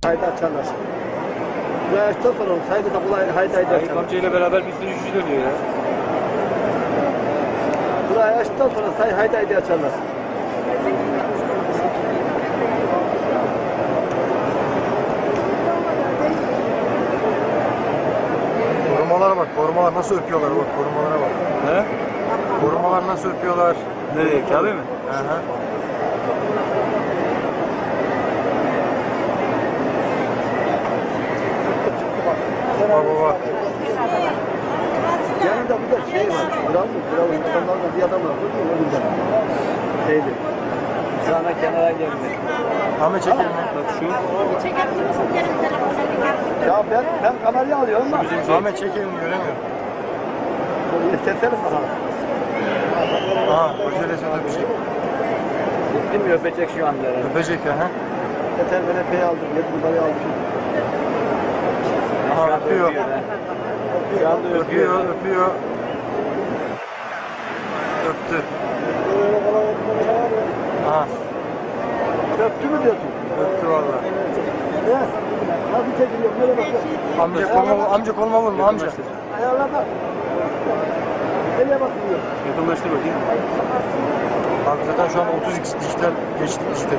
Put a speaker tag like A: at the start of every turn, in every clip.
A: Haydi açarlar. Buraya açtıktan sonra saydı da kolay haydi
B: Ayıp
A: açarlar.
B: amcayla beraber bir sürü işçi dönüyor ya.
A: Buraya açtıktan sonra haydi açarlar.
C: Korumalara bak, korumalar nasıl öpüyorlar bak, korumalara bak.
B: He?
C: Korumalar nasıl öpüyorlar.
B: Nereye? Kabe mi?
C: Hı hı. Baba.
A: Yanında bir de şey var. Kral insanlardan bir adam var. Değil mi? O yüzden. Şeydi.
B: Sana kenara geldi.
C: Ahmet çekelim.
B: Bak şu.
A: Ya ben kamerayı alıyorum da.
C: Ahmet çekelim göremiyorum.
A: Keselim bakalım.
C: Aha, Kocaeli Söyle bir şey.
B: Gitti mi öpecek şu anda?
C: Öpecek ya ha.
A: Yeter ben epey aldım. 7 numarayı aldım.
C: Aha öpüyor.
B: Şu anda öpüyor.
C: Öpüyor. Öptü. Aha,
A: Öptü mü diyorsun?
C: öptü valla.
A: Ne? Nasıl çekiliyor? Nereye bakıyorsun?
C: Amca koluma vurma amca.
A: Ayarlama. Nereye bakıyor?
B: Yakınlaştır bakayım.
C: Abi zaten şu an 30x dijital geçtik dijital.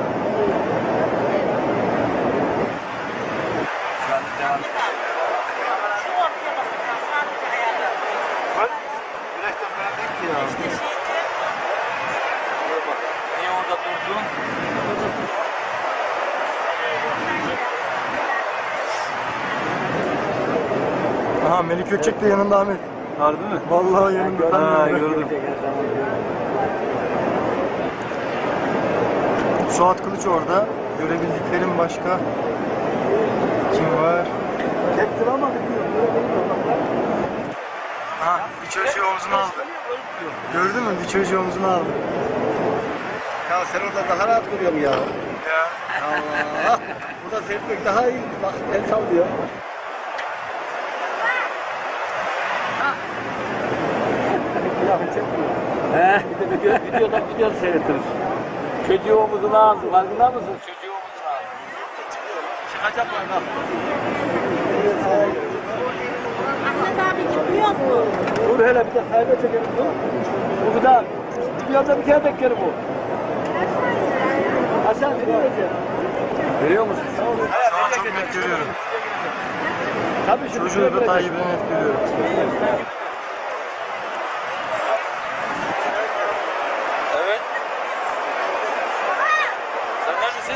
B: Niye orada durdun?
C: Aha Melik Gökçek de yanında Ahmet.
B: Harbi mi?
C: Vallahi yanında.
B: Ha gördüm.
C: Suat Kılıç orada. Görebildiklerim başka. Kim var?
A: Çektir ama
C: Ha, bir çocuğu omzuna aldı. Gördün mü? Bir çocuğu omzuna aldı.
A: ya sen orada daha rahat duruyorsun ya.
C: Ya.
A: Allah. Burada seyretmek daha iyi. Bak el sallıyor.
B: He, videoda seyretiriz. Çocuğu omuzuna aldı. Farkında mısın? Çocuğu omuzuna aldı.
A: Çıkacak var bak.
D: Ahmet abi çıkmıyor mu?
A: Dur hele bir de sayda çekelim dur. Bu kadar. Videoda bir kere beklerim bu. Aşağı nereye vereceğim?
B: Veriyor musun?
C: Şu an çok net görüyorum.
A: Tabii şimdi
C: Çocuğu da Tayyip'e net görüyorum.
B: Evet. Sen neredesin?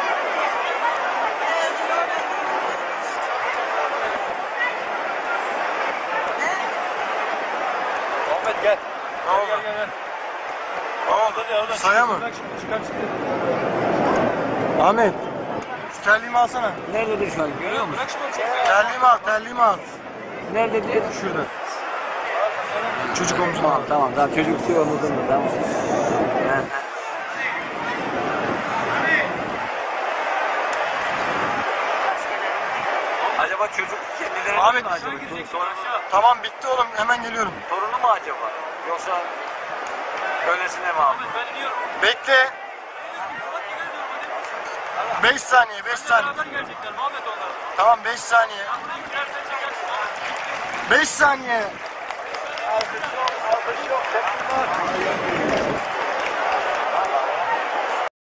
B: Ahmet gel.
C: Ne oldu?
B: Gel.
C: Ne oldu? Saya mı?
B: Çıkar.
C: Ahmet. Şu terliğimi alsana.
B: Nerededir şu an? Görüyor musun?
C: Terliğimi al.
B: Nerededir?
C: Şurada. Çocuk omzuna al.
B: Tamam. Çocuk su omuzunda. Tamam. Acaba çocuk kendileri
C: Ahmet,
B: mi acaba?
C: Tamam bitti oğlum hemen geliyorum.
B: Torunu mu acaba? Yoksa öylesine mi abi?
C: Bekle. 5 saniye. Tamam 5 saniye. 5 saniye.